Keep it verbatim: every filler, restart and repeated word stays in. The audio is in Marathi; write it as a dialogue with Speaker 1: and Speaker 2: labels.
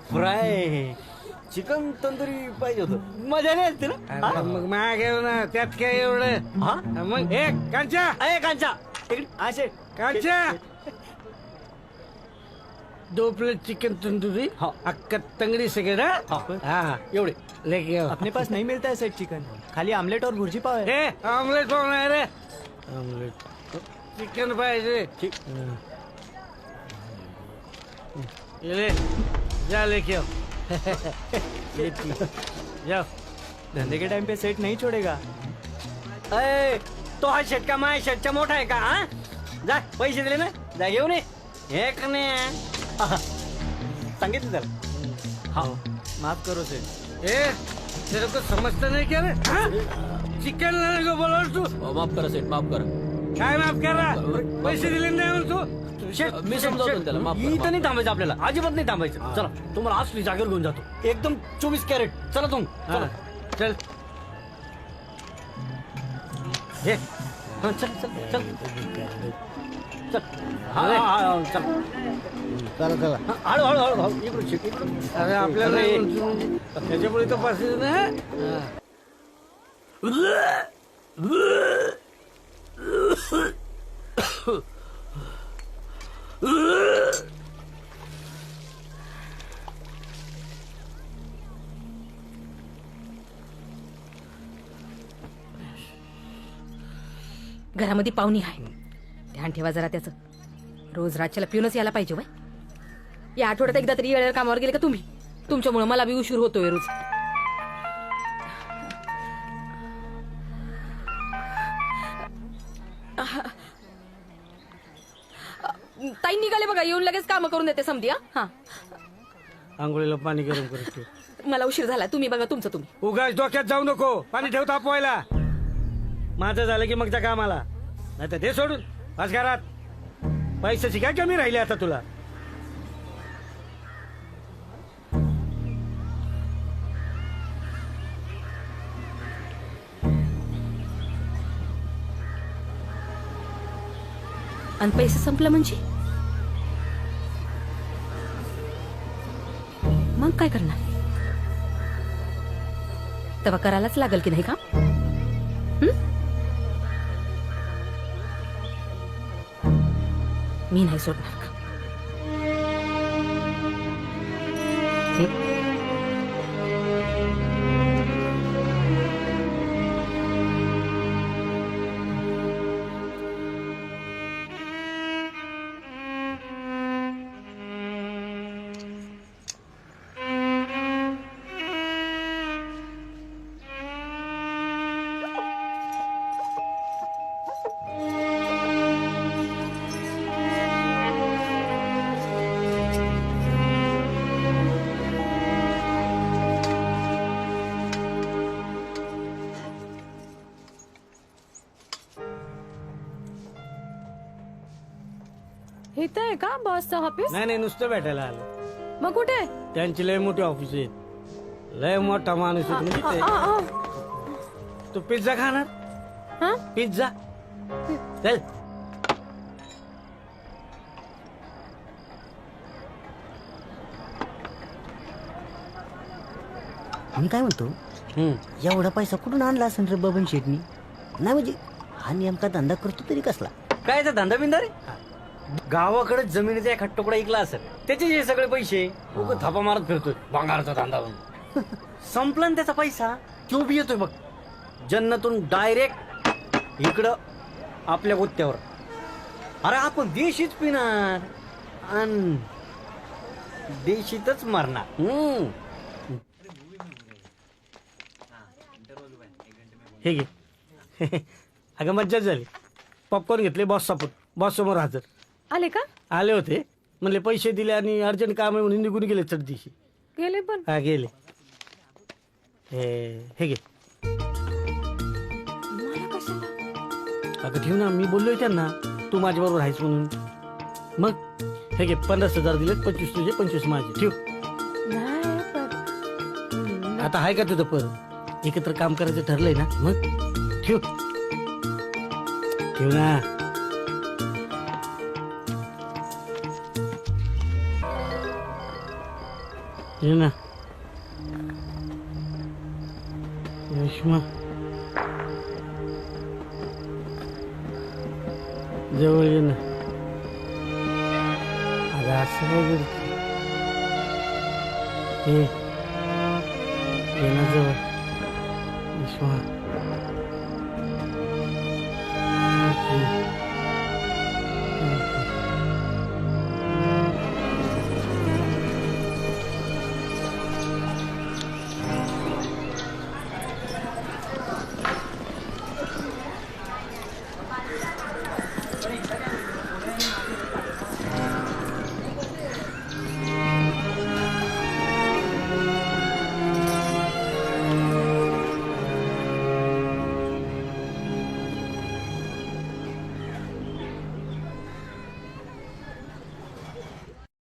Speaker 1: फ्राय चिकन तंदुरी पाहिजे होतं मजा नाही असते ना
Speaker 2: अरे मग मागे ना त्यात काय एवढं
Speaker 1: हा
Speaker 2: मग हे कांचा
Speaker 1: अय कांचा इकडे असे
Speaker 2: कांचा दो प्लेट चिकन तंदूरी
Speaker 1: हाँ।
Speaker 2: अक्का तंगड़ी से गेड़ा
Speaker 1: हाँ।
Speaker 2: हाँ
Speaker 1: एवढे
Speaker 2: लेके आओ
Speaker 1: अपने पास नहीं मिलता है सेट चिकन खाली आमलेट और भुर्जी पाव है
Speaker 2: ए ऑमलेट पाव नाही रे ऑमलेट चिकन पाहिजे
Speaker 1: ठीक
Speaker 2: हाँ। ये ले जा लेके आओ ये पी, जाओ
Speaker 1: धंधे के टाइम पे सेट नहीं छोड़ेगा अय तो हा षटका माय षटका मोठा आहे का हा जा पैसे दिले ना जा घेऊन ये एक नाही आहा. सांगितलं त्याला हा माफ करो सेठ
Speaker 2: ए तेरे को समझता नहीं क्या रे हाँ? चिकन लाने को बोला तू
Speaker 3: माफ करा सेठ माफ करा
Speaker 2: काय माफ कर रहा पैसे दिले नाही म्हणून तू
Speaker 1: शेठ
Speaker 3: मी समजावतो त्याला, माफ करा,
Speaker 1: इथं
Speaker 3: माफ
Speaker 1: नाही थांबायचं आपल्याला अजिबात नाही थांबायचं चला तुम्हाला असली जागेवर घेऊन जातो एकदम चोवीस कॅरेट चला तुम
Speaker 2: हाँ,
Speaker 1: चला
Speaker 2: चल
Speaker 1: हे हा, चल चल चल चल हा, हा, हा, हा, चल
Speaker 2: चला चला
Speaker 1: हा, हळू हळू हळू हळू इकडून शिक इकडून
Speaker 2: अरे आपल्याला
Speaker 1: अरे.
Speaker 2: त्याच्यापुढे तर पास ना
Speaker 4: घरामध्ये पाहुणी आहे ध्यान ठेवा जरा त्याचं रोज रातच्याला पिऊनच यायला पाहिजे वय या आठवड्यात एकदा तरी वेळेवर कामावर गेले का तुम्ही तुमच्यामुळे मला बी उशीर होतोय रोज ताई निघाले बघा येऊन लगेच काम करून देते समधी हा
Speaker 2: आंघोळीला पाणी गरम करत ठेव
Speaker 4: मला उशीर झाला तुम्ही बघा तुमचं तुम्ही
Speaker 2: उगाच डोक्यात जाऊ नको पाणी ठेव तापवायला माझं झालं की मग त्या कामाला नाही तर ते सोडून आज घरात पैशाची काय कमी राहिली आता तुला
Speaker 4: आणि पैसे संपलं म्हणजे मग काय करणार तेव्हा करायलाच लागल की नाही का मी नाही सोडणार का
Speaker 5: इथं आहे का बॉसचं ऑफिस
Speaker 2: नाही नाही नुसतं भेटायला आलं
Speaker 5: मग कुठे
Speaker 2: त्यांची लय मोठी ऑफिस आहेत लय मोठा माणूस आहे तुम्ही तिथे. तू पिझ्झा खाणार
Speaker 5: हा
Speaker 2: पिझ्झा चल
Speaker 6: मी काय म्हणतो
Speaker 2: हम्म.
Speaker 6: एवढा पैसा कुठून आणला असेल रे बबन शेटनी नाही म्हणजे हा नेमका धंदा करतो तरी कसला
Speaker 1: काय तर धंदा बिंदा रे गावाकडे जमिनीचा एखाद तुकडा ऐकला असेल त्याचे जे सगळे पैसे उगाच थापा मारत फिरतोय भांगारचा धंदा म्हणून संपला ना त्याचा पैसा तो बी येतोय बघ जन्नतून डायरेक्ट इकडं आपल्या गुत्त्यावर अरे आपण देशीच पिणार आणि देशीतच मरणार हम्म
Speaker 2: हे घे अगं मज्जाच झाली पॉपकॉर्न घेतले बॉस सपोर्ट बॉस समोर हजर
Speaker 5: आले का
Speaker 2: आले होते म्हणले पैसे दिले आणि अर्जंट काम आहे म्हणून निघून गेले चढ दिवशी
Speaker 5: गेले पण
Speaker 2: हा गेले हे हे घे
Speaker 5: मला कशाला
Speaker 2: अगं ठेव ना मी बोललोय त्यांना तू माझ्याबरोबर आहेस म्हणून मग हे घे पन्नास हजार दिलेत पंचवीस तुझे पंचवीस माझे ठेव
Speaker 5: नाही पण
Speaker 2: आता आहे का तुझं परत एकत्र काम करायचं ठरलंय ना मग ठेव ठेव ना ये ना रेश्मा जवळ ये ना अगं असं काय करते ये ये ना जवळ रेश्मा